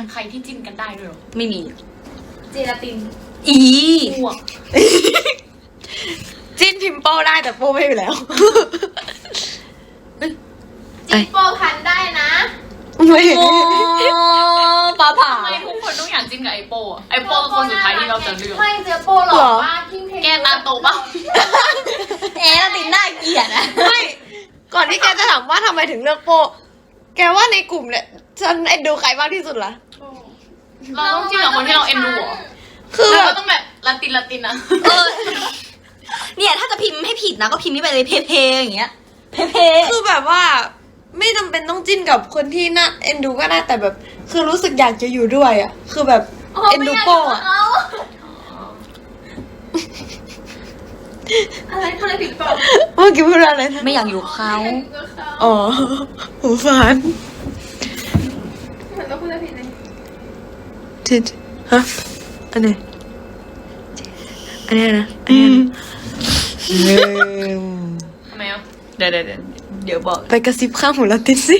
ใครที่จิ้นกันได้ด้วยหรอไม่มีเจลาตินอ้วกจิ้นพิมพ์โป้ได้แต่โป้ไม่อยู่แล้วจิโปพันได้นะไม่โอ้ปลาผ่าทำไมทุกคนต้องอยากจิ้นกับไอโป้อะไอโป้คือคนสุดท้ายที่เราจะเลือกไม่เจอโปหรอกว่าที่เพลงแกตาโตปะแล้วติดหน้าเกลียดอะไม่ก่อนที่แกจะถามว่าทำไมถึงเลือกโป้แกว่าในกลุ่มเนี่ยฉันเอ็นดูใครมากที่สุดล่ะเราต้องจิ้นกับคนที่เราเอ็นดูเหรอคือแล้วแบเราบต้องแบบละตินนะเนี่ยถ้าจะพิมพ์ให้ผิดนะก็พิมพ์นี่ไปเลยเพอย่างเงี้ยเพคือแบบว่าไม่จำเป็นต้องจิ้นกับคนที่น่าเอ็นดูก็ได้แต่แบบ คือรู้สึกอยากจะอยู่ด้วยอ่ะคือแบบเอ็นดูโป้อ่ะอะไรผิดเปล่าเมื่อกี้พูดอะไรนะไม่อยากอยู่กับเขาอ๋อหูฟันเหมือนเราพูดอะไรผิดเลยจิตฮะอันไหนอันนี้นะอันนี้นะทำไมอ่ะเดี๋ยวบอกไปกระซิบข้างหูลาตินสิ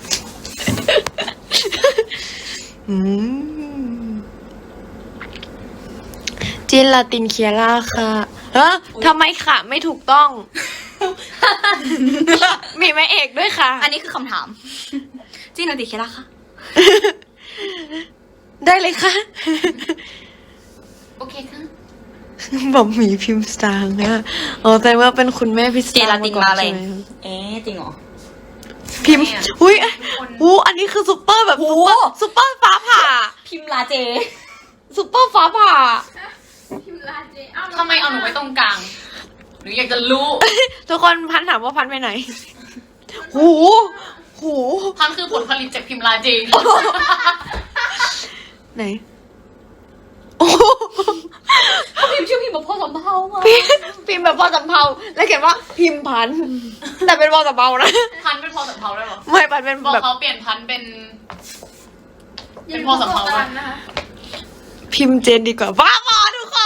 จินลาตินเคียร่าค่ะทำไมค่ะไม่ถูกต้อง มีแม่เอกด้วยค่ะอันนี้คือคำถามจีนติเคล่ะคะได้เลยค่ะโอเคค่ะบอกหมีพิมพ์สตางค์นะอ๋อแต่ว่าเป็นคุณแม่พิมพ์สเจตางลาค์ตินก่มาอนอะไรใช่ไหมจริงเหรอพิมพ์อุ้ยอันนี้คือซุปเปอร์แบบซุปเปอร์ฟ้าผ่าพิมพ์ลาเจซุปเปอร์ฟ้าผ่าพิมลาเจทำไมเอาหนูไว้ตรงกลางหนูอยากจะรู้ทุกคนพันถามว่าพันไปไหนหูพันคือผลผลิตจากพิมพ์ลาเจไหนโอ้พิมพ์ชื่อพิมพ์แบบพ่อสำเภามาพิมพ์แบบพอสำเภาแล้วเขียนว่าพิมพ์พันแต่เป็นพอสำเภานะพันเป็นพอสำเภาได้หรอไม่พันเป็นบอกแบบเขาเปลี่ยนพันเป็นพอสำเภาได้นะคะพิมพ์เจนดีกว่าบ้าบอทุกคน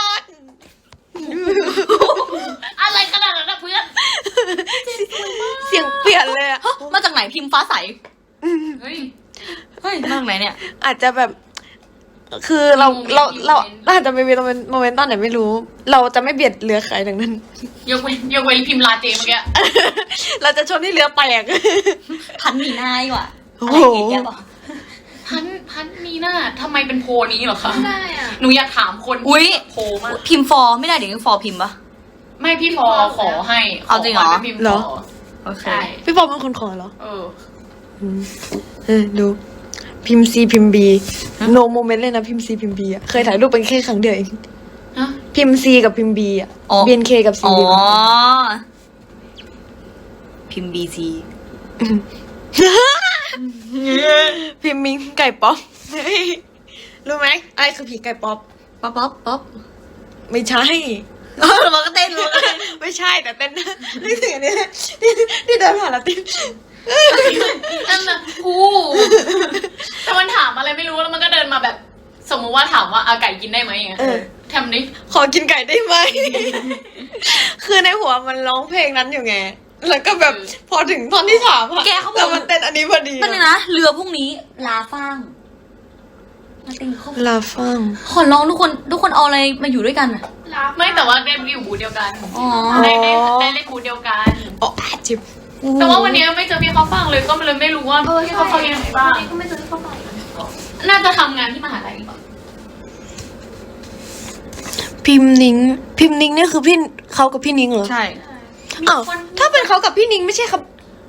อะไรขนาดนั้นนะเพื่อนเสียงเปลี่ยนเลยอะมาจากไหนพิมพ์ฟ้าใสเฮ้ยเฮ้ยมาจากไหนเนี่ยอาจจะแบบ คือเราอาจจะไม่มีโมเมนต์ตอนไหนไม่รู้ เราจะไม่เบียดเรือใครดังนั้นยกเว้นพิมพ์ลาเจเมื่อกี้เราจะชนให้เรือแตกพันมีหน้าดีกว่าโอ้อะไรโหอย่างเงี้ยบอกพันมีหน้าทำไมเป็นโพนี้เหรอคะได้อ่ะหนูอยากถามคนอุ๊ยโพมากพิมพ์ฟอร์ไม่ได้เดี๋ยวฟอร์พิมพ์ปะไม่พี่พอขอให้เอาจริงเหรอขให้พิมพ์เหรอขอโอเคใช่พี่ปอเป็นคนขอเหรอ ดูพิมพ์ C พิมพ์ B no moment เลยนะพิมพ์ C พิมพ์ B อ่ะเคยถ่ายรูปเป็นแค่ครั้งเดียวเองฮะพิมพ์ C กับพิมพ์ B อ่ะอ๋อ BNK กับ C อ๋อพิมพ์ BC พิมพ์มิงไก่ป๊อปรู้ไหมอะไรคือผีไก่ป๊อปป๊อปไม่ใช่มันก็เต้นเลยไม่ใช่แต่เต้นนึกถึงอันนี้เลยที่เดินผ่านแล้วเต้นนั่นน่ะกูแต่มันถามอะไรไม่รู้แล้วมันก็เดินมาแบบ สมมุติว่าถามว่าอาไก่กินได้ไหมอย่างเงี้ยทำดิขอกินไก่ได้ไหม คือในหัวมันร้องเพลงนั้นอยู่ไง แล้วก็แบบพอถึงท่อนที่ถามอะแกเขาบแต่อกมันเต้นอันนี้พอดีเป็นไงนะเรือพรุ่งนี้ลาฟ้างมาเต้นเขาลาฟังขอร้องทุกคนเอาอะไรมาอยู่ด้วยกันอะไม่แต่ว่าได้อยู่บูธเดียวกันอ๋อได้เล่นบูธเดียวกันอ๋อจิบแต่ว่าวันนี้ไม่เจอพี่เขาฟังเลยก็เลยไม่รู้ว่าพี่เขาฟังยังไงบ้างก็ไม่เจอที่เขาไปน่าจะทำงานที่มหาลัยก่อนพิมพ์นิ้งเนี่ยคือพี่เขากับพี่นิ้งเหรอใช่อ้าวถ้าเป็นเขากับพี่นิ้งไม่ใช่ครับ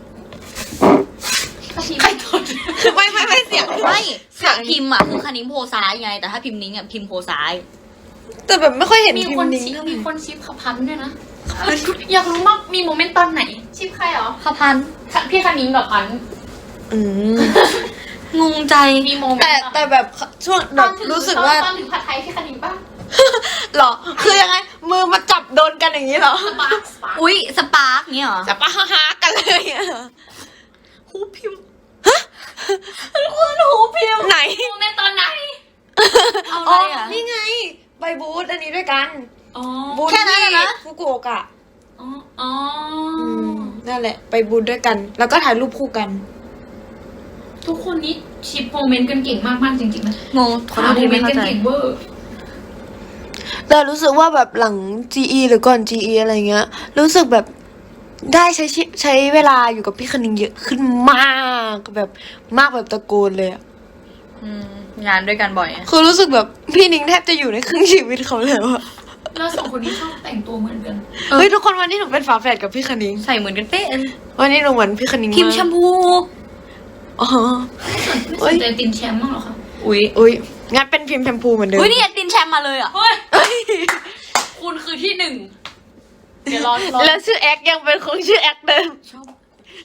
ใครทนไม่เสียงไม่ถ้าพิมพ์อ่ะคือคณิงโพซ้ายไง แต่ถ้าพิมพ์นิ้งอ่ะพิมพ์โพซ้ายแต่แบบไม่ค่อยเห็นมีพิมคนพ์นิ้งชิปเท่าไหร่มีคนชิปขับพันด้วยนะอยากรู้มากมีโมเมนต์ตอนไหนชิปใครเหรอขพันพี่คณิงกับพันอืมงงใจมีโมเมนต์แต่แบบช่วงแบบรู้สึกว่าตอนถึงผัดไทยพี่คณิงป่ะหรอ คือยังไง มือมาจับโดนกันอย่างนี้เหรอสปาร์คอุ๊ยสปาร์กเงี้ยเหรอจับปะฮากันเลยอะหูพิมพ์ทุกคนหูพิมพ์ไหนโมเมนต์ตอนไหนเอาอ๋อะอไรอ่ะนี่ไง ไปบูธอันนี้ด้วยกันอ๋อบูธแค่นั้นที่น่ะนะฟุกุโอกะอ๋อนั่นแหละ ไปบูธด้วยกัน แล้วก็ถ่ายรูปคู่กันทุกคนนี้ชิปโมเมนต์กันเก่งมากๆจริงๆนะงงขอโทษโมที่เมไม่นต์เข้ากันใจเก่งเวอร์แต่รู้สึกว่าแบบหลัง GE หรือก่อน GE อะไรเงี้ย รู้สึกแบบได้ใช้เวลาอยู่กับพี่คณิงเยอะขึ้นมากแบบมากแบบตะโกนเลยอะงานด้วยกันบ่อยอะคือรู้สึกแบบพี่นิ้งแทบจะอยู่ในครึ่งชีวิตเขาแล้วอะแล้วสองคนนี้ชอบแต่งตัวเหมือนกันเฮ้ยทุกคนวันนี้หนูเป็นฝาแฝดกับพี่คณิงใส่เหมือนกันเป๊ะวันนี้หนูเหมือนพี่คณิงพิมพ์ากแชมพูอ๋อไม่สนใจตินแชมป์บ้างเหรอคะอุ้ยอุ้ยงั้นเป็นพิมพ์แชมพูเหมือนเดิมอุ้ยนี่ตินแชมป์มาเลยอ่ะเฮ้ยเอ้ยคุณคือที่หนึ่งเดี๋ยวรอแล้วชื่อแอคยังเป็นคงชื่อแอคเดิมชอบ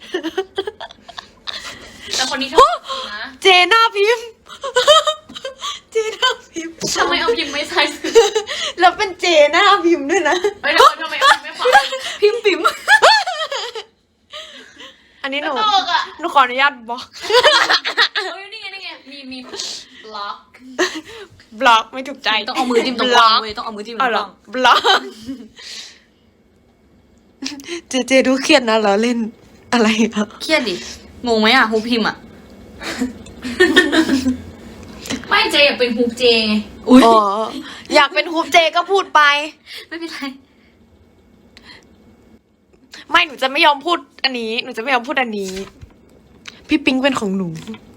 แต่คนนี้ชอบนะเจน่าพิมพ์ เจน่าพิมพ์ทำไมเอาพิมพ์ไม่ใส่แล้วเป็นเจน่าพิมพ์ด้วยนะเฮ้ยทำไมเอาพิมพ์ไม่ขวาพิมพ์ปิ๋มอันนี้หนูตลกอ่ะหนูขออนุญาตบล็อกเฮ้ยนี่ไงมีบล็อกบล็อกไม่ถูกใจต้องเอามือจิ้มตรงกลางเว้ยต้องเอามือจิ้มตรเอางเหกรอลางบล็อกเจดูเครียดนะเราเล่นอะไรอ่ะเครียดดิงงไหมอ่ะฮูพิมพ์อ่ะไม่เจอยากเป็นฮูกเจไงอุ้ยอ๋ออยากเป็นฮูปเจก็พูดไปไม่เป็นไรไม่หนูจะไม่ยอมพูดอันนี้ หนูจะไม่ยอมพูดอันนี้ พี่ปิ๊งเป็นของหนูอ